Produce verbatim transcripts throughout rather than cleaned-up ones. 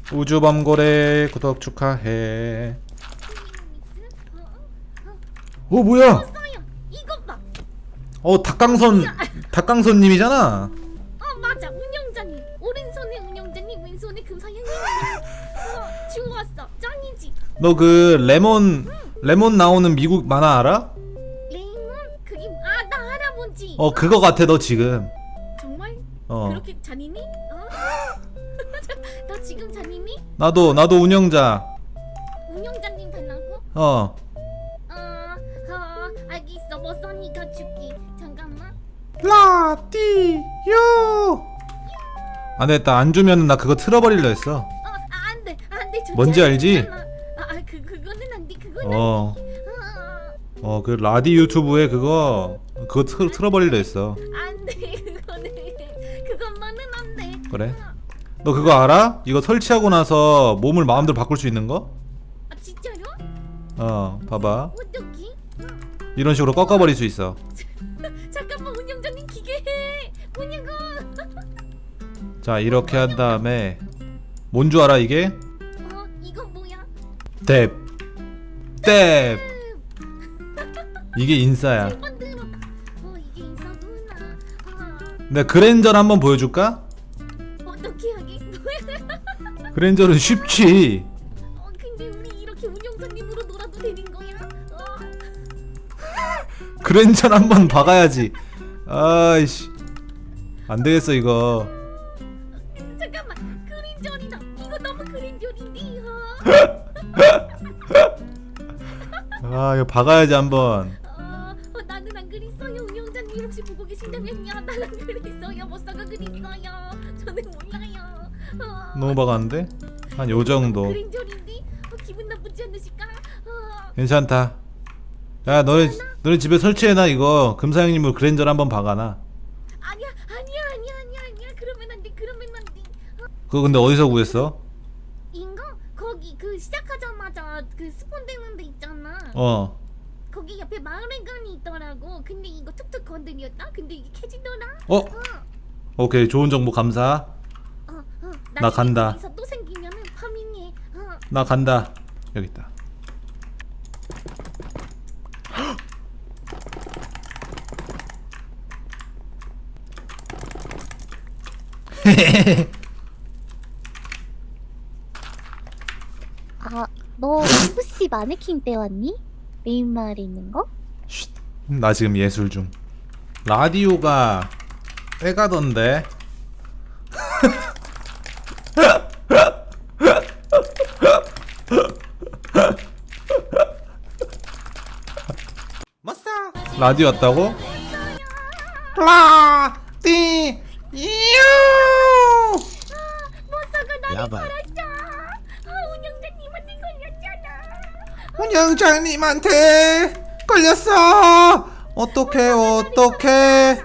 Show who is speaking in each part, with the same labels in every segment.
Speaker 1: 우주범고래 구독 축하해. 어 뭐야?
Speaker 2: 없어요. 이것 봐.
Speaker 1: 어 닭강선 닭강선님이잖아.
Speaker 2: 어 맞아. 운영자님. 오른손에 운영자님, 왼손에 금사형님. 어 주웠어. 짱이지.
Speaker 1: 너 그 레몬 레몬 나오는 미국 만화 알아?
Speaker 2: 레임은 그게 아나 할아버지.
Speaker 1: 어 그거 같아 너 지금.
Speaker 2: 정말?
Speaker 1: 어
Speaker 2: 그렇게 잔인해? 어? 너 지금 잔인해?
Speaker 1: 나도 나도 운영자.
Speaker 2: 운영자님 달라고?
Speaker 1: 어
Speaker 2: 어, 어 알겠어. 뭐 써니까 줄게. 잠깐만.
Speaker 1: 라디오. 안 되겠다. 안 주면 나 그거 틀어버리려 했어.
Speaker 2: 어, 아, 안 돼. 안 돼. 좋지
Speaker 1: 뭔지 알지?
Speaker 2: 않잖아. 아, 아, 그 그거는 안 돼. 그거는
Speaker 1: 어.
Speaker 2: 안 돼. 어,
Speaker 1: 어 그 라디 유튜브에 그거 그거 틀, 틀어버리려 했어.
Speaker 2: 안 돼. 그거는 그것만은 안 돼.
Speaker 1: 그래? 너 그거 알아? 이거 설치하고 나서 몸을 마음대로 바꿀 수 있는 거?
Speaker 2: 아, 진짜요?
Speaker 1: 어 봐봐.
Speaker 2: 어떡해?
Speaker 1: 이런 식으로 꺾어버릴 수 있어.
Speaker 2: 잠깐만 운영자님 기계해. 뭐냐고?
Speaker 1: 자 이렇게 한 다음에 뭔 줄 알아 이게?
Speaker 2: 어, 이건 뭐야?
Speaker 1: 뎁 뎁 이게 인싸야.
Speaker 2: 만들었다. 어, 이게 인사구나. 아,
Speaker 1: 내가 그랜저를 한번 보여줄까?
Speaker 2: 어떻게 하게? 뭐야?
Speaker 1: 그랜저는 쉽지.
Speaker 2: 어, 근데 우리 이렇게 운영자님으로 놀아도 되는 거야? 어.
Speaker 1: 그랜저를 한번 박아야지. 아이씨 안 되겠어 이거.
Speaker 2: 잠깐만. 그린절이다. 이거 너무 그린절인데. 어.
Speaker 1: 아 이거 박아야지 한번.
Speaker 2: 어, 어, 나는 안 그랬어요. 운영자님 혹시 보고 계신다면요. 나는 안 그랬어요. 못 사가 그랬어요. 저는 몰라요. 어.
Speaker 1: 너무 박았는데? 한 요 정도.
Speaker 2: 그린절인데 어, 기분 나쁘지 않으실까? 어.
Speaker 1: 괜찮다. 야 너네 너네 집에 설치해놔 이거. 금사형님으로 그랜저를 한번 박아놔.
Speaker 2: 아니야, 아니야, 아니야, 아니야, 아니야. 그러면 안 돼. 그러면 안 돼. 어.
Speaker 1: 그거 근데 어디서 구했어?
Speaker 2: 인가? 거기 그 시작하자마자 그 스폰되는 데 있잖아.
Speaker 1: 어.
Speaker 2: 거기 옆에 마을회관이 있더라고. 근데 이거 툭툭 건드렸다. 근데 이게 캐지더라.
Speaker 1: 어?
Speaker 2: 어,
Speaker 1: 오케이 좋은 정보 감사.
Speaker 2: 어, 어.
Speaker 1: 나 간다.
Speaker 2: 거기서 또 생기면은 파밍해. 어.
Speaker 1: 나 간다. 여기 있다.
Speaker 3: 아, 너 혹시 마네킹 떼왔니? 메인 마을에 있는 거?
Speaker 1: 쉿. 나 지금 예술 중. 라디오가 빼가던데. 라디오 왔다고? 라디오.
Speaker 2: 모사가 나를
Speaker 1: 야발.
Speaker 2: 팔았어. 어, 운영자님한테 걸렸잖아.
Speaker 1: 운영자님한테 걸렸어. 어떡해 어떡해.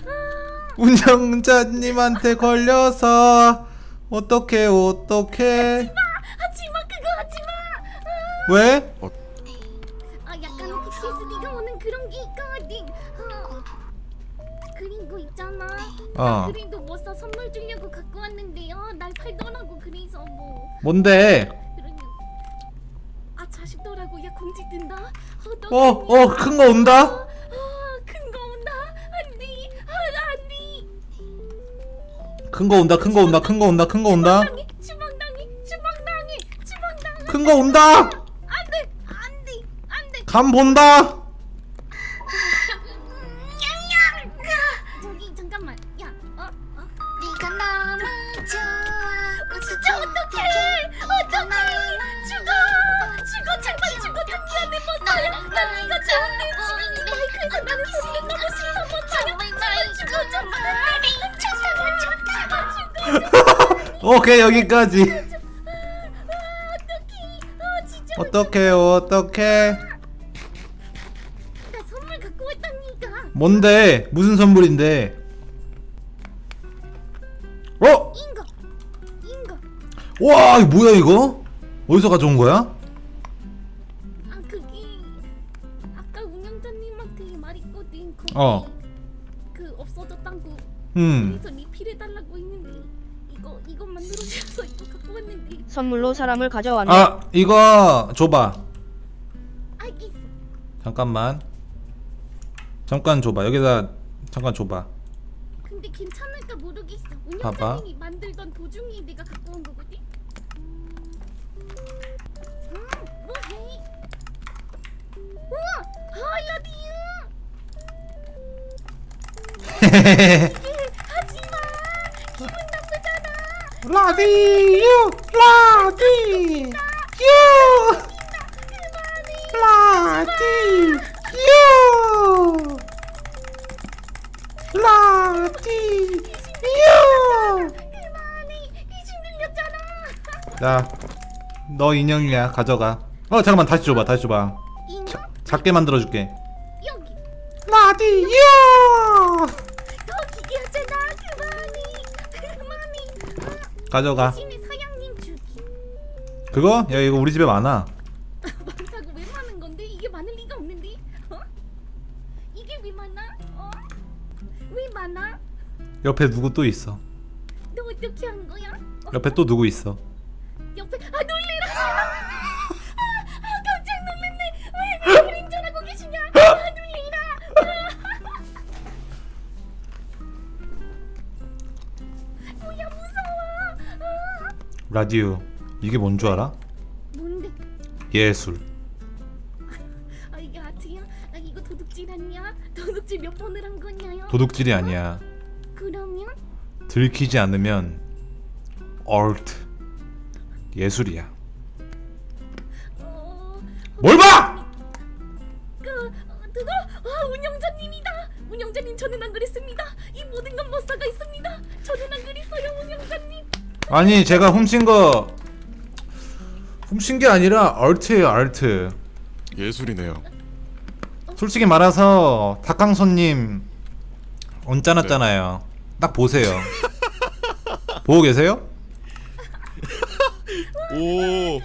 Speaker 1: 운영자님한테 걸려서 어떡해 어떡해.
Speaker 2: 하지마 그거 하지마. 아,
Speaker 1: 왜?
Speaker 2: 아 약간 피티에스디가 오는 그런 게 있거든. 어. 그리고 있잖아.
Speaker 1: 어.
Speaker 2: 그림도 못사 선물 주려고 갖고 왔는데요. 날 팔더라고. 그래서 뭐
Speaker 1: 뭔데?
Speaker 2: 그러냐. 아 자식더라고. 야 공지 뜬다.
Speaker 1: 어, 어, 큰 거 온다?
Speaker 2: 큰 거 온다. 안돼. 아 안돼.
Speaker 1: 큰 거 온다, 큰 거 온다, 큰 거 온다, 큰 거 온다.
Speaker 2: 주방당해 주방당해 주방당해 주방당해.
Speaker 1: 큰 거 온다.
Speaker 2: 안돼 안돼 안돼.
Speaker 1: 감 본다.
Speaker 2: 저기 잠깐만. 야 어? 어?
Speaker 3: 네가 너무 좋아.
Speaker 2: 진짜 어떡해 어떡해 죽어 죽어 제발 죽어 당기하네 못살아 난 네가 좋은데 지금 이 마이크에서 나는 소리를 너무 싫어 못살아 제발 죽어 제발 죽어 죽어
Speaker 1: 오케이 여기까지.
Speaker 2: 어떡해 아 진짜
Speaker 1: 어떡해 어떡해.
Speaker 2: 나 선물 갖고 왔다니까
Speaker 1: 뭔데? 무슨 선물인데? 어?
Speaker 2: 인거 인거
Speaker 1: 와 이거 뭐야 이거? 어디서 가져온 거야?
Speaker 2: 아 그게 아까 운영자님한테 말했거든 거기
Speaker 1: 어.
Speaker 2: 그 없어졌다고
Speaker 1: 음.
Speaker 2: 그래서 리필해달라고 했는데 이거 이거 만들어주셔서 이거 갖고 있었는데.
Speaker 4: 선물로 사람을 가져왔네.
Speaker 1: 아 이거 줘봐.
Speaker 2: 알겠어.
Speaker 1: 잠깐만. 잠깐 줘봐. 여기다 잠깐 줘봐.
Speaker 2: 근데 괜찮을까 모르겠어.
Speaker 1: 봐봐.
Speaker 2: 운영자님이 만들던 도중에 내가 갖고 온 거거든. 음, 뭐해? 우와, 하야디유. 하지마. 기분 나쁘잖아.
Speaker 1: 라디유 라디유 라디유 라디유.
Speaker 2: 그만해. 귀신 들렸잖아.
Speaker 1: 자, 너 인형이야. 가져가. 어 잠깐만 다시 줘봐. 다시 줘봐.
Speaker 2: 인형
Speaker 1: 자, 작게 만들어줄게.
Speaker 2: 여기.
Speaker 1: 라디유.
Speaker 2: 더 기괴하잖아. 그만해. 그만해.
Speaker 1: 가져가.
Speaker 2: 귀신의 사장님 주기.
Speaker 1: 그거? 야 이거 우리 집에 많아.
Speaker 2: 많다고 왜 많은 건데? 이게 많을 리가 없는데? 어? 이게 왜 많아? 어? 왜 많아?
Speaker 1: 옆에 누구 또 있어.
Speaker 2: 너 어떻게 한 거야? 어?
Speaker 1: 옆에 또 누구 있어.
Speaker 2: 옆에 아 놀래라! 아, 아 깜짝 놀랐네. 왜 왜 그림자라고 계시냐? 아 놀래라! 아. 뭐야 무서워. 아.
Speaker 1: 라디오. 이게 뭔 줄 알아?
Speaker 2: 뭔데?
Speaker 1: 예술.
Speaker 2: 아 이게 아트야? 아 이거 도둑질 아니야? 도둑질 몇 번을 한 거냐요?
Speaker 1: 도둑질이 아니야.
Speaker 2: 그러면
Speaker 1: 들키지 않으면 얼트. 예술이야.
Speaker 2: 어.
Speaker 1: 뭘 봐!
Speaker 2: 그 어, 그거 아 운영자님이다. 운영자님 저는 안 그랬습니다. 이 모든 건 머싸가 있습니다. 저는 안 그랬어요 운영자님.
Speaker 1: 아니 제가 훔친 거 훔친 게 아니라 얼트예요. 얼트.
Speaker 5: 예술이네요.
Speaker 1: 솔직히 말해서 닭강손님 언짢았잖아요. 딱 보세요. 보고 계세요?
Speaker 5: 오,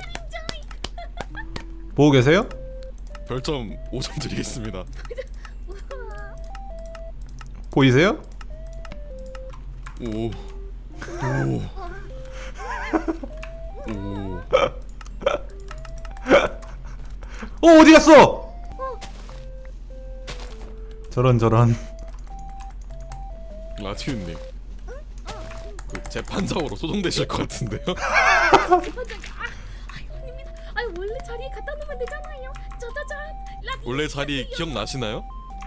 Speaker 1: 보고 계세요?
Speaker 5: 별점 오 점 드리겠습니다.
Speaker 2: 우와.
Speaker 1: 보이세요?
Speaker 5: 오, 오, 오.
Speaker 1: 어 어디 갔어? 저런 저런.
Speaker 5: 라티우님, 그 재판장으로 소송되실 것 같은데요?
Speaker 2: 대판장 아 아닙니다. 아 원래 자리에 갖다 놓으면 되잖아요. 짜자잔. 라디.
Speaker 5: 원래 자리 기억나시나요?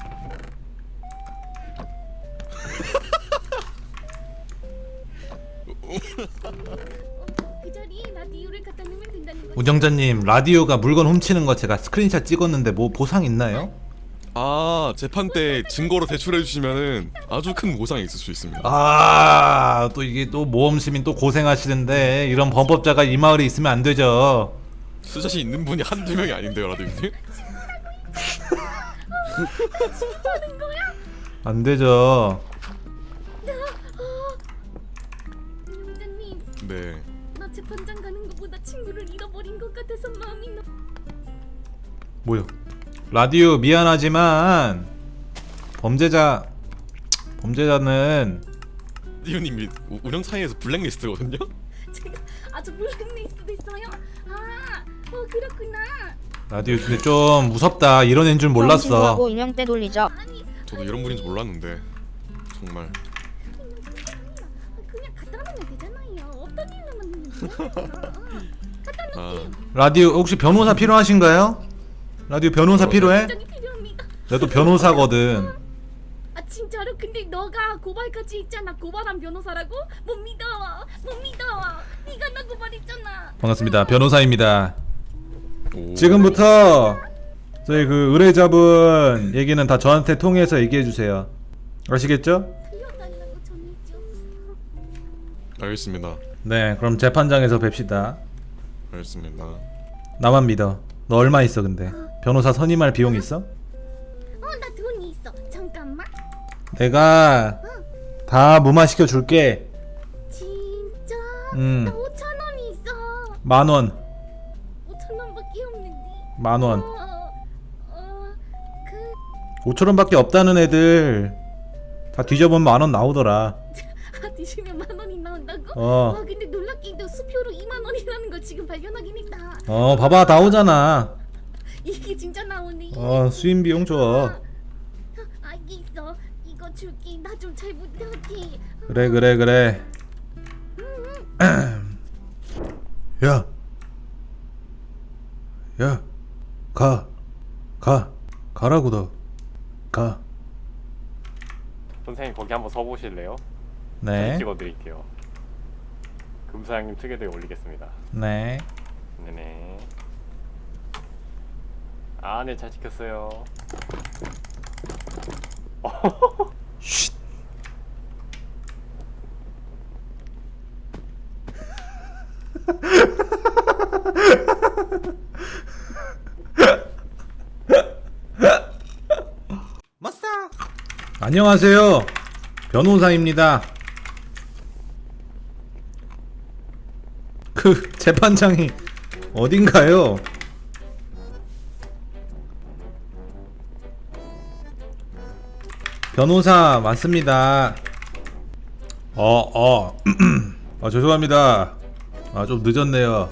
Speaker 2: 그 자리에 라디오를 갖다 놓으면 된다는 거죠.
Speaker 1: 운영자님 라디오가 물건 훔치는 거 제가 스크린샷 찍었는데 뭐 보상 있나요?
Speaker 5: 아, 재판 때 증거로 제출해 주시면은 아주 큰 보상이 있을 수 있습니다.
Speaker 1: 아 또 이게 또 모험 시민 또 고생하시는데 이런 범법자가 이 마을에 있으면 안 되죠.
Speaker 5: 수자신 있는 분이 한두 명이 아닌데요, 라디우님?
Speaker 2: 하는 거야?
Speaker 1: 안 되죠.
Speaker 2: 운영자님
Speaker 5: 네.
Speaker 2: 나 재판장 가는 것보다 친구를 잃어버린 것 같아서 마음이 너.
Speaker 1: 뭐요? 라디오 미안하지만 범죄자 범죄자는
Speaker 5: 라디우님이 우- 운영 사이에서 블랙리스트거든요?
Speaker 2: 제가 아주 블랙리스트 됐어요. 아, 어 그렇구나.
Speaker 1: 라디오 근데 좀 무섭다. 이런 애인 줄
Speaker 4: 형
Speaker 1: 몰랐어.
Speaker 4: 친구하고 인형 때 돌리자.
Speaker 2: 아니
Speaker 5: 저도 이런 분인 줄 몰랐는데 정말.
Speaker 2: 그냥 갖다 놓으면 되잖아요. 어떤 일로 만드는 거야? 갖다
Speaker 5: 아,
Speaker 2: 놓을게요.
Speaker 1: 라디오 혹시 변호사 필요하신가요? 라디오 변호사 필요해?
Speaker 2: 굉장히 필요합니다.
Speaker 1: 나도 변호사거든.
Speaker 2: 아 진짜로? 근데 너가 고발까지 있잖아. 고발한 변호사라고? 못 믿어. 못 믿어. 네가 나 고발했잖아.
Speaker 1: 반갑습니다. 변호사입니다.
Speaker 5: 오.
Speaker 1: 지금부터 저희 그 의뢰자분 얘기는 다 저한테 통해서 얘기해 주세요. 아시겠죠?
Speaker 2: 살려달라고 전해줘.
Speaker 5: 알겠습니다.
Speaker 1: 네, 그럼 재판장에서 뵙시다.
Speaker 5: 알겠습니다.
Speaker 1: 나만 믿어. 너 얼마 있어 근데? 변호사 선임할 비용 있어?
Speaker 2: 어 나 돈이 있어. 잠깐만.
Speaker 1: 내가 다 무마시켜 줄게.
Speaker 2: 진짜?
Speaker 1: 음.
Speaker 2: 나 오천 원이 있어.
Speaker 1: 만 원.
Speaker 2: 오천 원밖에 없는데.
Speaker 1: 만 원.
Speaker 2: 어, 어, 그
Speaker 1: 오천 원밖에 없다는 애들 다 뒤져보면 만 원 나오더라.
Speaker 2: 아, 뒤지면 만 원이 나와. 나온다고?
Speaker 1: 어.
Speaker 2: 와 근데 놀랍게도 수표로 이만 원이라는 걸 지금 발견하긴 했다.
Speaker 1: 어 봐봐 나오잖아.
Speaker 2: 이게 진짜 나오네.
Speaker 1: 어 수임 비용 줘.
Speaker 2: 아, 알겠어. 이거 줄게. 나 좀 잘 못하게.
Speaker 1: 그래 그래 그래. 야. 야. 가. 가. 가라고 너. 가.
Speaker 6: 선생님 거기 한번 서보실래요?
Speaker 1: 네.
Speaker 6: 찍어드릴게요. 금사장님 특혜도에 올리겠습니다.
Speaker 1: 네.
Speaker 6: 네네. 아, 네, 잘 찍혔어요.
Speaker 1: 쉿. 안녕하세요. 변호사입니다. 그 재판장이 어딘가요? 변호사 맞습니다. 어, 어. 아, 죄송합니다. 아, 좀 늦었네요.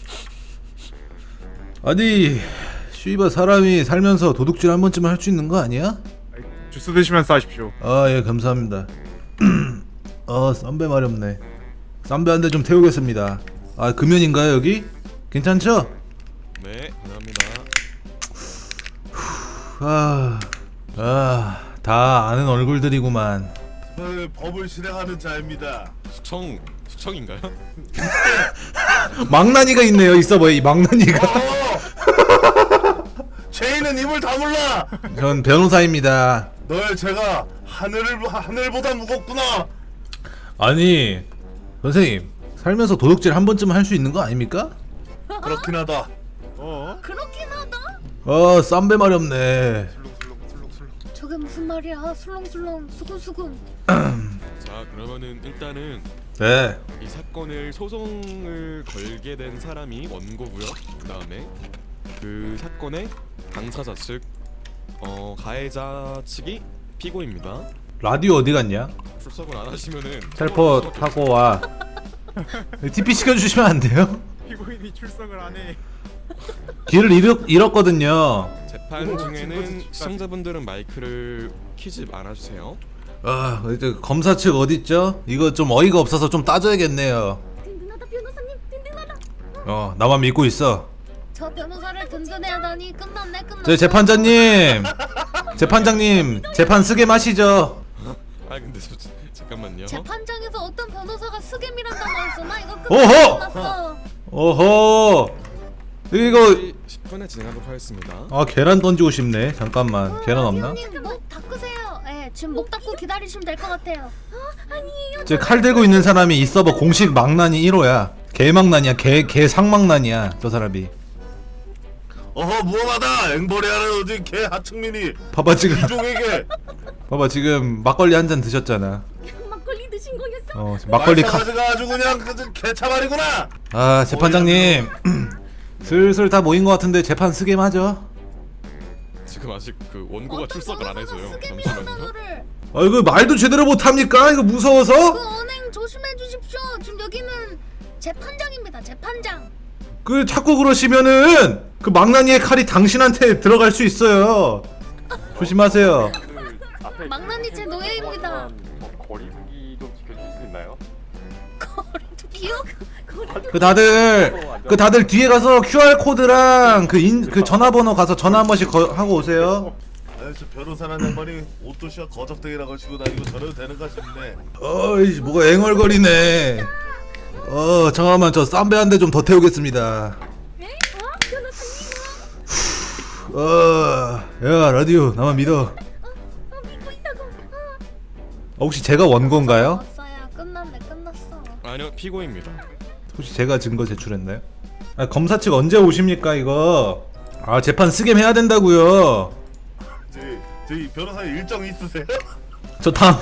Speaker 1: 아니, 씨발 사람이 살면서 도둑질 한 번쯤은 할 수 있는 거 아니야?
Speaker 7: 주스 드시면서 하십시오.
Speaker 1: 아, 예, 감사합니다. 아, 쌈배 마렵네. 쌈배 한 대 좀 태우겠습니다. 아, 금연인가요, 여기? 괜찮죠?
Speaker 5: 네, 감사합니다.
Speaker 1: 아, 아, 다 아는 얼굴들이구만.
Speaker 8: 네, 법을 실행하는 자입니다.
Speaker 5: 수청 수청인가요?
Speaker 1: 망나니가 있네요, 이 서버에 이 망나니가.
Speaker 8: 어! 죄인은 입을 다물라.
Speaker 1: 전 변호사입니다.
Speaker 8: 널 제가 하늘을 하늘보다 무겁구나.
Speaker 1: 아니, 선생님, 살면서 도둑질 한 번쯤 할 수 있는 거 아닙니까?
Speaker 8: 그렇긴 하다.
Speaker 7: 어?
Speaker 2: 그렇긴 하다.
Speaker 1: 아, 쌈배 마렵네.
Speaker 2: 저게 무슨 말이야? 술렁술렁 수근수근.
Speaker 5: 자, 그러면은 일단은
Speaker 1: 네.
Speaker 5: 이 사건을 소송을 걸게 된 사람이 원고고요. 그다음에 그 사건의 당사자 측 어, 가해자 측이 피고입니다.
Speaker 1: 라디오 어디 갔냐?
Speaker 5: 출석을 안 하시면은
Speaker 1: 텔포 타고 와. 티피 시켜주시면 안 돼요?
Speaker 7: 피고인이 출석을 안 해.
Speaker 1: 길을 잃었, 잃었거든요.
Speaker 5: 재판 중에는 시청자분들은 마이크를 키지 말아주세요.
Speaker 1: 아, 이제 검사 측 어디 있죠? 이거 좀 어이가 없어서 좀 따져야겠네요.
Speaker 2: 든든하다 변호사님. 든든하다.
Speaker 1: 어, 나만 믿고 있어.
Speaker 2: 저 변호사를 든든해하다니 끝났네 끝났어.
Speaker 1: 저 재판장님, 재판장님, 재판 쓰게 마시죠.
Speaker 5: 아 근데 저, 잠깐만요.
Speaker 2: 재판장에서 어떤 변호사가 스겜이란 단어를 쓰나? 이거
Speaker 1: 오호!
Speaker 2: 끝났어.
Speaker 1: 오호, 이거
Speaker 5: 십 분에 진행하도록 하겠습니다.
Speaker 1: 아 계란 던지고 싶네. 잠깐만, 계란 없나?
Speaker 2: 형님 목 닦으세요. 예, 지금 목 닦고 기다리시면 될 것 같아요. 어? 아니에요.
Speaker 1: 저 칼 들고 있는 사람이 이 서버 공식 망난이 일 호야. 개망난이야, 개, 개 상망난이야, 저 사람이.
Speaker 8: 어허 무엄하다. 앵벌이하는 어디 개 하층민이
Speaker 1: 봐봐 지금,
Speaker 8: 이종에게
Speaker 1: 봐봐 지금 막걸리 한 잔 드셨잖아.
Speaker 2: 막걸리 드신 거였어?
Speaker 1: 어, 지금 막걸리 카.
Speaker 8: 말싸가지가 아주 그냥 그 개차발이구나.
Speaker 1: 아, 재판장님, 슬슬 다 모인 것 같은데 재판 쓰게 하죠.
Speaker 5: 지금 아직 그 원고가
Speaker 2: 어떤
Speaker 5: 출석을 안
Speaker 2: 변호사가
Speaker 5: 해서요.
Speaker 2: 스겜이란
Speaker 5: 잠시만요.
Speaker 2: 단어를.
Speaker 1: 아, 이거 말도 제대로 못 합니까? 이거
Speaker 2: 그
Speaker 1: 무서워서?
Speaker 2: 언행 조심해 주십시오. 지금 여기는 재판장입니다. 재판장.
Speaker 1: 그 자꾸 그러시면은 그 망나니의 칼이 당신한테 들어갈 수 있어요. 조심하세요.
Speaker 6: 그 앞에
Speaker 2: 망나니 제 노예입니다.
Speaker 6: 뭐 거리두기 좀 지켜주실 수 있나요?
Speaker 2: 거리도 기억. 거리도
Speaker 1: 그 다들 그 다들 뒤에 가서 큐알 코드랑 그 인 그 전화번호 가서 전화 한 번씩 거, 하고 오세요.
Speaker 8: 아니 저 변호사라는 양반이 옷도시와 거적대기라고 치고 다니고 저래도 되는가 싶네.
Speaker 1: 어이 뭐가 앵얼거리네. 어 잠깐만 저 쌈배 한 대 좀 더 태우겠습니다.
Speaker 2: 에? 어? 변호사님.
Speaker 1: 어야 라디오 나만 믿어.
Speaker 2: 어, 어 믿고 있다고. 어.
Speaker 1: 어, 혹시 제가 원고인가요?
Speaker 2: 왔어야 끝났네 끝났어.
Speaker 5: 아니요, 피고입니다.
Speaker 1: 혹시 제가 증거 제출했나요? 아, 검사 측 언제 오십니까 이거? 아 재판 쓰게 해야 된다고요.
Speaker 8: 저희 저희 변호사님 일정 있으세요?
Speaker 1: 저 다음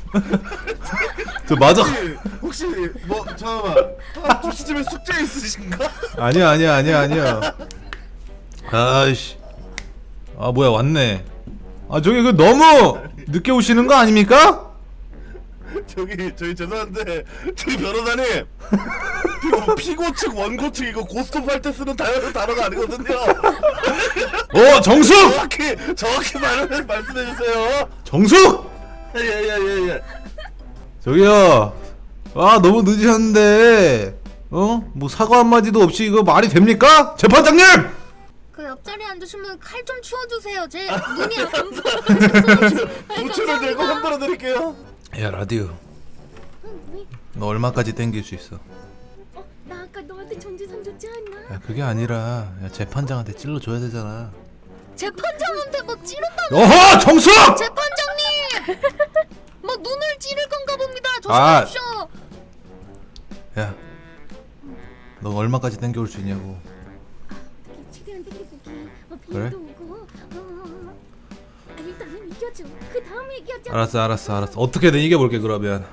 Speaker 1: 저 맞아.
Speaker 8: 혹시, 혹시 뭐 잠깐만 아, 주시집에 숙제 있으신가?
Speaker 1: 아니야 아니야 아니야 아니야. 아이씨. 아 뭐야 왔네. 아 저기 그 너무 늦게 오시는 거 아닙니까?
Speaker 8: 저기 저희 죄송한데 저희 변호사님 이거 피고 측 원고 측 이거 고스톱 할 때 쓰는 단어, 단어가 아니거든요.
Speaker 1: 어 정숙!
Speaker 8: 정확히 정확히 말 말씀해 주세요.
Speaker 1: 정숙!
Speaker 8: 예예예 예.
Speaker 1: 저기요. 아 너무 늦으셨는데 어? 뭐 사과 한마디도 없이 이거 말이 됩니까? 재판장님!
Speaker 2: 그 옆자리에 앉으시면 칼 좀 치워주세요. 제 눈이 안 보여서.
Speaker 8: 부채를 들고 흔들어 드릴게요.
Speaker 1: 야 라디오 너 얼마까지 땡길 수 있어?
Speaker 2: 어, 나 아까 너한테 전재산 줬지 않나?
Speaker 1: 야 그게 아니라 야, 재판장한테 찔러줘야 되잖아.
Speaker 2: 재판장한테 뭐 찌른다고?
Speaker 1: 어허 정숙!
Speaker 2: 재판장님! 뭐 눈을 찌를 건가 봅니다.
Speaker 1: 아.
Speaker 2: 조심하십시오.
Speaker 1: 야 너 얼마까지 땡겨올 수 있냐고.
Speaker 2: 최대한 땡겨보기. 뭐
Speaker 1: 그래?
Speaker 2: 비도 오고. 어, 아, 일단은 이겨줘. 그 다음 얘기하자.
Speaker 1: 알았어 알았어 알았어 어떻게든 이겨볼게 그러면.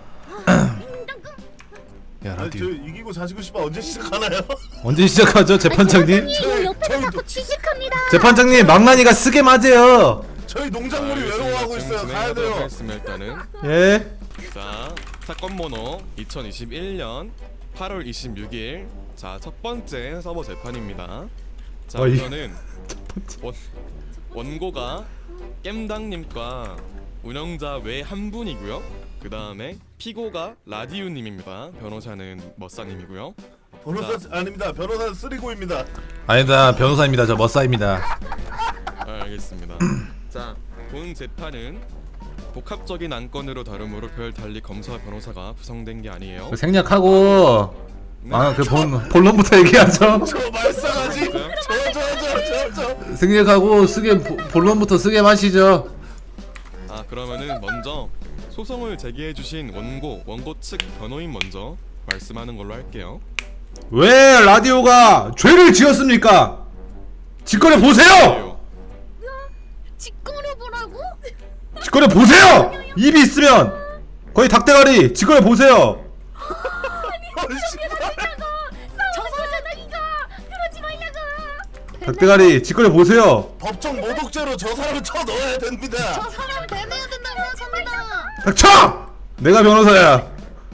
Speaker 1: 야
Speaker 8: 아니, 저
Speaker 1: 라디오
Speaker 8: 이기고 자시고 싶어 언제 시작하나요?
Speaker 1: 언제 시작하죠 재판장님?
Speaker 3: 이거 옆에서
Speaker 8: 저희
Speaker 3: 자꾸 취직합니다.
Speaker 1: 재판장님 망나니가 쓰게 맞아요.
Speaker 8: 저희 농작물이 외로워하고 있어요. 가야 돼요.
Speaker 5: 하겠습니다, 일단은.
Speaker 1: 예?
Speaker 5: 자, 사건 번호 이천이십일 년 팔월 이십육일. 자, 첫 번째 서버 재판입니다. 자,
Speaker 1: 어이.
Speaker 5: 우선은 원, 원고가 겜당님과 운영자 외 한 분이고요. 그 다음에 피고가 라디우님입니다. 변호사는 머싸님이고요.
Speaker 8: 변호사 아닙니다. 변호사는 쓰리고입니다.
Speaker 1: 아니다 변호사입니다 저 머싸입니다.
Speaker 5: 아, 알겠습니다. 자, 본 재판은 복합적인 안건으로 다루므로 별 달리 검사와 변호사가 구성된 게 아니에요.
Speaker 1: 그 생략하고 아그 본론부터 얘기하죠.
Speaker 8: 저 말싸가지. 저저저저 저.
Speaker 1: 생략하고 쓰게 보- 본론부터 쓰게 마시죠.
Speaker 5: 아, 그러면은 먼저 소송을 제기해 주신 원고, 원고 측 변호인 먼저 말씀하는 걸로 할게요.
Speaker 1: 왜 라디오가 죄를 지었습니까? 직권해 보세요.
Speaker 2: 직거래 보라고?
Speaker 1: 직권해 보세요. 입이 있으면 거의 닭대가리 직권해 보세요.
Speaker 2: 저거잖아 이거. 그러지 말라고.
Speaker 1: 닭대가리 직권해 보세요.
Speaker 8: 법정 모독죄로 저 사람을 쳐 넣어야 됩니다.
Speaker 2: 저 사람 배내야 된다고 생각합니다.
Speaker 1: 닥쳐! 내가 변호사야.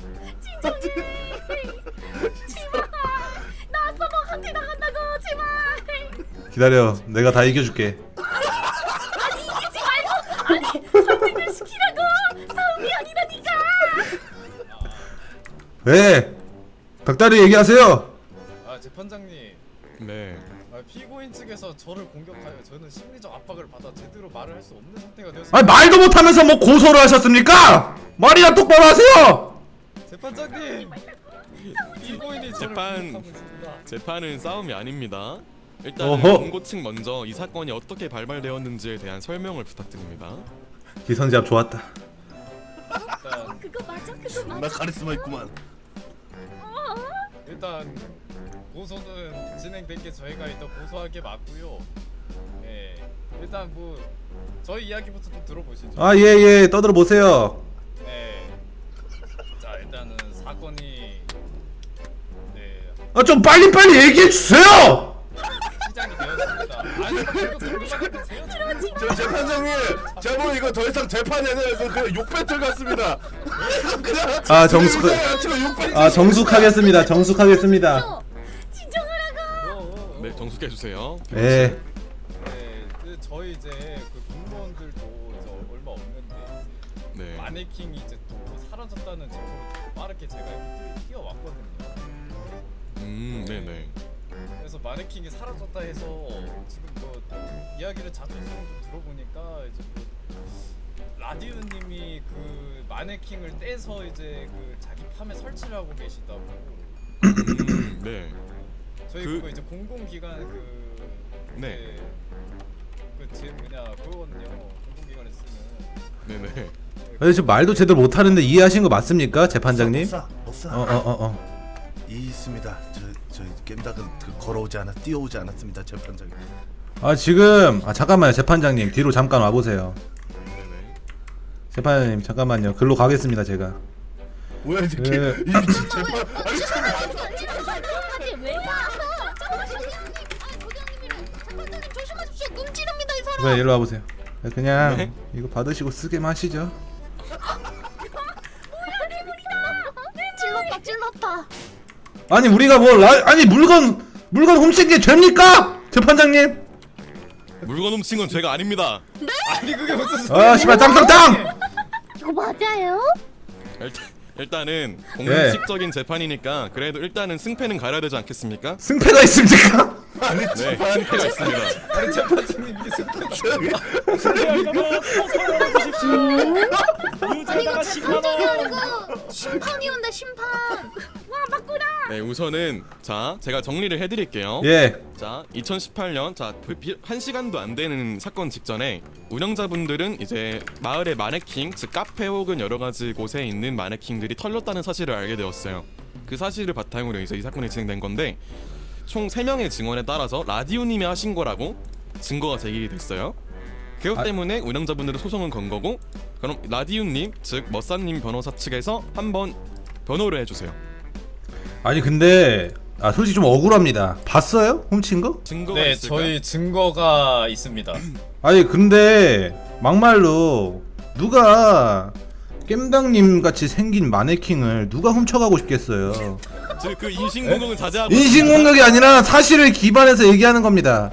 Speaker 2: 나 서버한테 나간다고 제발.
Speaker 1: 기다려. 내가 다 이겨줄게.
Speaker 2: 아니 이기지 말고 아니 설득을 시키라고. 싸움이 아니라니까.
Speaker 1: 왜? 닭다리 얘기하세요.
Speaker 9: 아 재판장님,
Speaker 5: 네.
Speaker 9: 아, 피고인 측에서 저를 공격하여 저는 심리적 압박을 받아 제대로 말을 할 수 없는 상태가 되었습니다.
Speaker 1: 아니 말도 못하면서 뭐 고소를 하셨습니까? 말이나 똑바로 하세요.
Speaker 9: 재판장님, 피고인이 저를
Speaker 5: 재판-
Speaker 9: 공격하고 있습니다.
Speaker 5: 재판은 싸움이 아닙니다. 일단
Speaker 1: 어허.
Speaker 5: 원고 측 먼저 이 사건이 어떻게 발발되었는지에 대한 설명을 부탁드립니다.
Speaker 1: 기선제압 좋았다.
Speaker 9: 일단
Speaker 2: 그거 맞아 그거
Speaker 8: 나
Speaker 2: 맞아.
Speaker 8: 카리스마 있구만.
Speaker 9: 일단 고소는 진행된 게 저희가 일단 고소한 게 맞고요. 예, 일단 뭐 저희 이야기부터 좀 들어보시죠.
Speaker 1: 아 예예 떠들어 보세요.
Speaker 9: 네. 자 일단은 사건이 네
Speaker 1: 아 좀 빨리 빨리 얘기해 주세요.
Speaker 9: 시작이 되었습니다. 아니 그거 궁금하게 세요.
Speaker 8: 저 재판장님, 제목 이거 더 이상 재판이 아니라 그, 그 욕배틀 같습니다. 그냥
Speaker 1: 아, 정숙-
Speaker 8: 지금 욕배틀.
Speaker 1: 아 정숙하겠습니다. 정숙하겠습니다.
Speaker 2: 진정하라고.
Speaker 9: 어, 어, 어.
Speaker 5: 네, 정숙해 주세요.
Speaker 1: 예.
Speaker 9: 네, 그 저희 이제 그 공무원들도 이제 얼마 없는데 이제
Speaker 5: 네.
Speaker 9: 마네킹이 이제 또 사라졌다는 제보를 듣고 빠르게 제가 이렇게 뛰- 뛰어왔거든요.
Speaker 5: 음, 네, 네.
Speaker 9: 그래서 마네킹이 사라졌다 해서 지금 뭐 이야기를 자초지종 좀 들어보니까 이제 뭐 라디오님이 그 마네킹을 떼서 이제 그 자기 팜에 설치를 하고 계시다고.
Speaker 5: 음, 네.
Speaker 9: 저희
Speaker 5: 그-
Speaker 9: 그... 거 이제 공공기관 그
Speaker 5: 네.
Speaker 9: 그제 뭐냐 그거거든요. 공공기관에 쓰는.
Speaker 5: 네, 네.
Speaker 1: 아니 지금 말도 제대로 못 하는데 이해하신 거 맞습니까, 재판장님?
Speaker 8: 못사, 못사.
Speaker 1: 어 어 어 어.
Speaker 8: 이 있습니다. 저 저희 겜닭은 그 걸어오지 않았, 뛰어오지 않았습니다, 재판장님.
Speaker 1: 아 지금 아 잠깐만요, 재판장님 뒤로 잠깐 와 보세요.
Speaker 5: 네, 네.
Speaker 1: 재판장님 잠깐만요. 글로 가겠습니다 제가.
Speaker 8: 뭐야 이 새끼?
Speaker 1: 예.
Speaker 8: 이 미친 재판. 아니 참.
Speaker 2: 왜 와? 재판장님 조심하십시오. 끔찍합니다 이 사람.
Speaker 1: 왜 일로 와 보세요. 그냥
Speaker 5: 네?
Speaker 1: 이거 받으시고 쓰게 마시죠. 아니 우리가 뭐 라, 아니 물건 물건 훔친 게 죄입니까? 재판장님.
Speaker 5: 물건 훔친 건 죄가 아닙니다.
Speaker 9: 아니 그게 무슨 소리야?
Speaker 1: 아 씨발 땅땅땅.
Speaker 3: 이거 맞아요?
Speaker 5: 일단, 일단은
Speaker 1: 예.
Speaker 5: 공식적인 재판이니까 그래도 일단은 승패는 가려야 되지 않겠습니까?
Speaker 1: 승패가 있습니까?
Speaker 8: 아니
Speaker 5: 네,
Speaker 8: 재판
Speaker 5: 승패가 있습니다.
Speaker 9: 아니 재판장님 이게 승패.
Speaker 2: 이거 재판장이 아니고 심판이온다 심판. 와 바꾸라.
Speaker 5: 네, 우선은 자 제가 정리를 해드릴게요.
Speaker 1: 예.
Speaker 5: 자, 이천십팔 년 자, 한 시간도 안 되는 사건 직전에 운영자분들은 이제 마을의 마네킹, 즉 카페 혹은 여러 가지 곳에 있는 마네킹들이 털렸다는 사실을 알게 되었어요. 그 사실을 바탕으로 이제 이 사건이 진행된 건데 총 세 명의 증언에 따라서 라디오님이 하신 거라고 증거가 제기가 됐어요. 그것
Speaker 1: 아-
Speaker 5: 때문에 운영자분들은 소송은 건 거고 그럼 라디오님, 즉 머싸님 변호사 측에서 한번 변호를 해주세요.
Speaker 1: 아니 근데 아 솔직히 좀 억울합니다. 봤어요? 훔친 거?
Speaker 5: 증거가
Speaker 9: 네
Speaker 5: 있을까?
Speaker 9: 저희 증거가 있습니다.
Speaker 1: 아니 근데 막말로 누가 겜당님 같이 생긴 마네킹을 누가 훔쳐가고 싶겠어요.
Speaker 5: 즉 그 인신공격은 자제하고
Speaker 1: 인신공격이 아니라 사실을 기반해서 얘기하는 겁니다.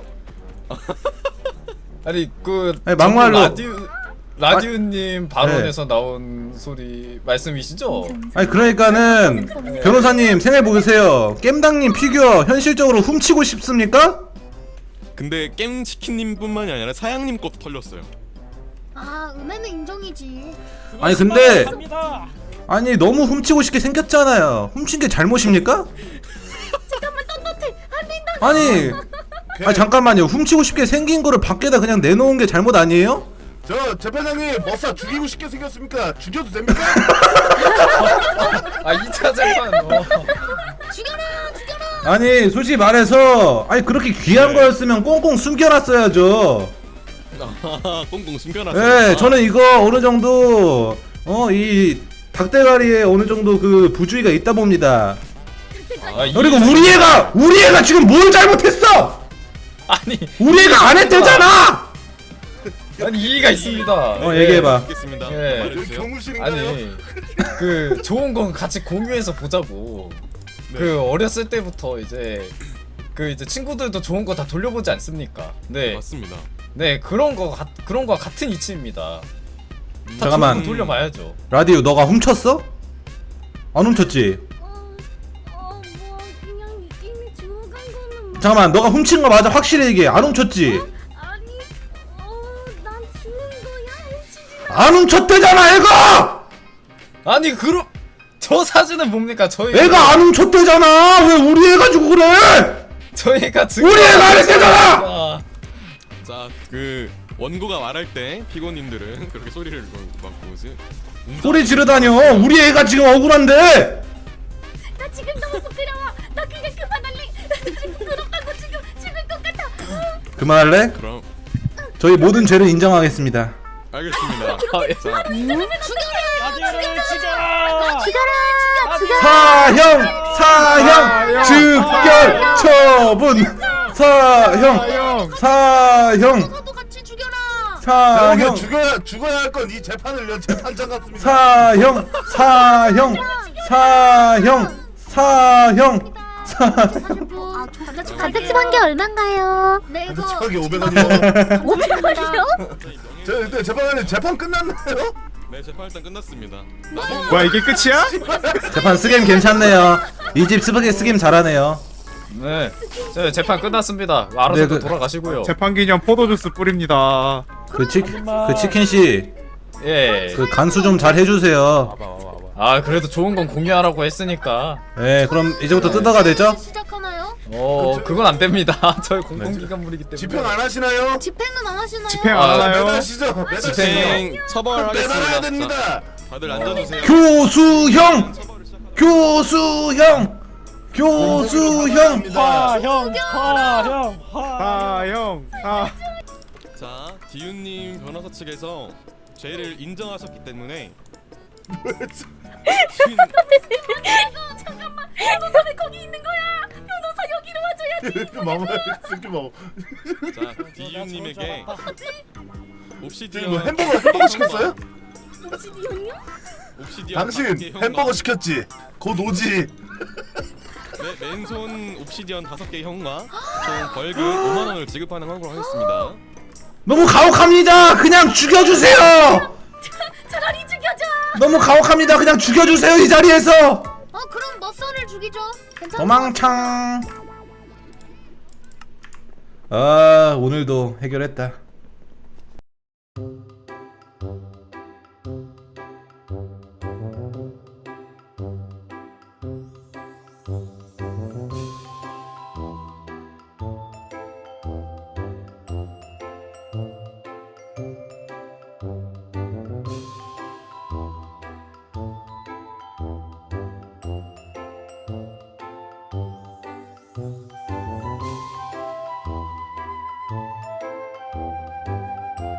Speaker 9: 아니 그
Speaker 1: 아니, 막말로.
Speaker 9: 라디오 라디오님 발언에서
Speaker 1: 네.
Speaker 9: 나온 소리 말씀이시죠?
Speaker 1: 아니 그러니까는 변호사님 생각해 보세요. 겜당님 피규어 현실적으로 훔치고 싶습니까?
Speaker 5: 근데 겜치킨님뿐만이 아니라 사양님 것도 털렸어요.
Speaker 2: 아 음에는 인정이지.
Speaker 1: 아니 근데 아니 너무 훔치고 싶게 생겼잖아요. 훔친 게 잘못입니까?
Speaker 2: 잠깐만 떳떳해. 안 된다.
Speaker 1: 아니 아니 잠깐만요. 훔치고 싶게 생긴 거를 밖에다 그냥 내놓은 게 잘못 아니에요?
Speaker 8: 저 재판장님 머싸 죽이고 싶게 생겼습니까? 죽여도 됩니까?
Speaker 9: 아 이 차 재판. 어.
Speaker 2: 죽여라 죽여라.
Speaker 1: 아니 솔직히 말해서 아니 그렇게 귀한
Speaker 5: 네.
Speaker 1: 거였으면 꽁꽁 숨겨놨어야죠.
Speaker 5: 꽁꽁 숨겨놨어요.
Speaker 1: 네, 저는 이거 어느 정도 어 이 닭대가리에 어느 정도 그 부주의가 있다 봅니다.
Speaker 9: 아, 이-
Speaker 1: 그리고 우리 애가 우리 애가 지금 뭘 잘못했어?
Speaker 9: 아니
Speaker 1: 우리 애가 안 했대잖아.
Speaker 9: 아니 이의가 있습니다.
Speaker 1: 어
Speaker 9: 네.
Speaker 1: 얘기해봐.
Speaker 5: 알겠습니다.
Speaker 9: 예.
Speaker 8: 여기
Speaker 5: 말해주세요.
Speaker 8: 경무실인가요?
Speaker 9: 아니 그 좋은 건 같이 공유해서 보자고.
Speaker 5: 네.
Speaker 9: 그 어렸을 때부터 이제 그 이제 친구들도 좋은 거 다 돌려보지 않습니까? 네,
Speaker 5: 맞습니다.
Speaker 9: 네 그런 거 같, 그런 거와 같은 이치입니다. 다
Speaker 1: 잠깐만.
Speaker 9: 좋은 거 돌려봐야죠.
Speaker 1: 라디오 너가 훔쳤어? 안 훔쳤지?
Speaker 2: 어어뭐 그냥 이미 주워간 거는. 뭐-
Speaker 1: 잠깐만 너가 훔친 거 맞아? 확실히 얘기해. 안 훔쳤지?
Speaker 2: 아니 어난 주는 거야 훔치지.
Speaker 1: 안 훔쳤대잖아 애가!
Speaker 9: 아니 그럼 저 사진은 뭡니까? 저희
Speaker 1: 애가 안 훔쳤대잖아. 왜 우리 애 가지고 그래?
Speaker 9: 저희가
Speaker 1: 우리 애가 안 했대잖아!
Speaker 9: 아,
Speaker 5: 자, 그 원고가 말할 때 피고님들은 그렇게 소리를 막 뭐지?
Speaker 1: 소리 지르다녀. 우리 애가 지금 억울한데.
Speaker 2: 나 지금 너무 부끄러워. 나 그냥 그만할래. 나 지금 부끄럽다고 지금 죽을 것 같아.
Speaker 1: 그만할래?
Speaker 5: 그럼
Speaker 1: 저희 모든 죄를 인정하겠습니다.
Speaker 5: 알겠습니다.
Speaker 9: 아, 예.
Speaker 5: 자,
Speaker 1: 사형 사형 즉결 처분 사형 사형
Speaker 2: 너도 같이 죽여라.
Speaker 8: 자,
Speaker 1: 사형
Speaker 8: 죽여야 죽어야 할 건 이 재판을 연 재판장 같습니다.
Speaker 1: 사형 사형 사형 사형
Speaker 2: 아,
Speaker 3: 가득 한 게 얼만가요?
Speaker 2: 네 이거
Speaker 8: 가득하게 오백 원이요.
Speaker 3: 오백 원이요?
Speaker 8: 저 일단 재판장님 재판 끝났나요?
Speaker 5: 네, 재판 일단 끝났습니다.
Speaker 7: 뭐야 이게 끝이야?
Speaker 1: 재판 스겜 괜찮네요. 이 집 스프게 스겜 잘하네요.
Speaker 9: 네, 저 재판 끝났습니다. 알아서
Speaker 1: 네,
Speaker 9: 또
Speaker 1: 그-
Speaker 9: 돌아가시고요.
Speaker 7: 재판 기념 포도주스 뿌립니다.
Speaker 1: 그 치, 그 치킨 씨,
Speaker 9: 예.
Speaker 1: 그 간수 좀 잘 해주세요.
Speaker 9: 아 그래도 좋은 건 공유하라고 했으니까.
Speaker 1: 네, 그럼 이제부터 뜯어가 되죠?
Speaker 2: 시작하나요?
Speaker 9: 어 그건 안 됩니다. 저희 공공기관물이기 때문에.
Speaker 8: 집행 안 하시나요?
Speaker 2: 집행은 안 하시나요?
Speaker 7: 집행
Speaker 9: 아,
Speaker 7: 안 하나요?
Speaker 8: 매달시죠. 매달시죠.
Speaker 5: 집행 처벌하겠습니다.
Speaker 8: 매달아야
Speaker 5: 자,
Speaker 8: 됩니다.
Speaker 5: 다들 앉아주세요.
Speaker 1: 교수형, 교수형, 교수형.
Speaker 8: 화형
Speaker 7: 하형 하.
Speaker 5: 자, 디윤님 변호사 측에서 죄를 인정하셨기 때문에 신-
Speaker 2: 잠깐만. 변호사 왜 거기 있는 거야? 변호사 여기로 와줘야지.
Speaker 8: 마마 새끼 뭐
Speaker 5: 자, 디윤님에게
Speaker 8: 지금
Speaker 5: 옵시디언
Speaker 8: 뭐 햄버거 햄버거 시켰어요?
Speaker 2: 옵시디언이요?
Speaker 5: 옵시디언
Speaker 8: 당신
Speaker 5: 관계 형과
Speaker 8: 햄버거 시켰지? 곧 오지.
Speaker 5: 네, 맨손 옵시디언 다섯 개 형과 총 벌금 오만 원을 지급하는 걸로 하겠습니다.
Speaker 1: 너무 가혹합니다. 그냥 죽여주세요.
Speaker 2: 차라리 죽여줘.
Speaker 1: 너무 가혹합니다. 그냥 죽여주세요 이 자리에서.
Speaker 2: 어 그럼 머선을 죽이죠. 괜찮아.
Speaker 1: 도망창. 아 오늘도 해결했다.